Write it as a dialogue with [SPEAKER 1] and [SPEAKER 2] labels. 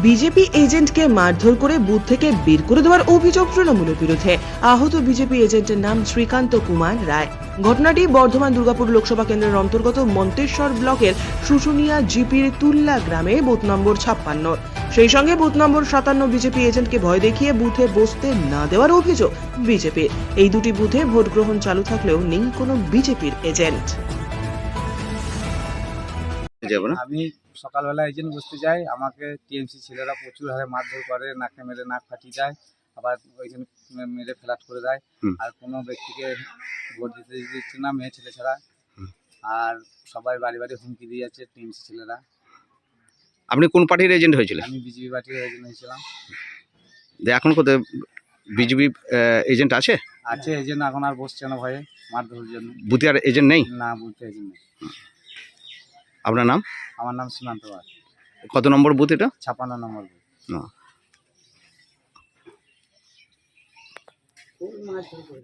[SPEAKER 1] BJP এজেন্টকে মারধর করে booth থেকে বের করে দেওয়ার অভিযোগ তৃণমূলের বিরুদ্ধে। আহত বিজেপি এজেন্টের নাম শ্রীকান্ত কুমার রায়। ঘটনাটি বর্ধমান দুর্গাপুর লোকসভা কেন্দ্রের অন্তর্গত মন্তেশ্বর ব্লকের শুশুনিয়া জিপির তুল্লা গ্রামে বুথ নম্বর 56। সেই সঙ্গে বুথ নম্বর 57 বিজেপি এজেন্টকে ভয় দেখিয়ে বুথে বসতে না দেওয়ার অভিযোগ বিজেপির। এই দুটি বুথে ভোট গ্রহণ চালু থাকলেও নেই কোনো বিজেপির এজেন্ট।
[SPEAKER 2] আমি সকালবেলা এজেন্ট বসতে যাই, আমাকে টিএমসি ছেলেরা প্রচুর হারে মারধর করে, নাকে মেরে নাক ফাটিয়ে দেয়, আবার ওইখানে মেরে ফ্ল্যাট করে দেয়। আর কোনো ব্যক্তিকে ভোট দিতে দিচ্ছে না, মেয়ে ছেলে ছাড়া। আর সবাই বাড়ি বাড়ি হুমকি দিয়ে যাচ্ছে টিএমসি ছেলেরা।
[SPEAKER 3] আপনি কোন পার্টির এজেন্ট হয়েছিলেন?
[SPEAKER 2] আমি বিজেপি পার্টির এজেন্ট হয়েছিলাম।
[SPEAKER 3] এখন কোথায় বিজেপি এজেন্ট আছে?
[SPEAKER 2] আছে এজেন্ট, এখন আর বসছে না ভয়ে মারধরের জন্য।
[SPEAKER 3] বুথে আর এজেন্ট নেই?
[SPEAKER 2] না, বুথে এজেন্ট নেই।
[SPEAKER 3] আপনার নাম?
[SPEAKER 2] আমার নাম সীমান্ত পাল।
[SPEAKER 3] কত নম্বর বুথ এটা?
[SPEAKER 2] 56 নম্বর বুথ।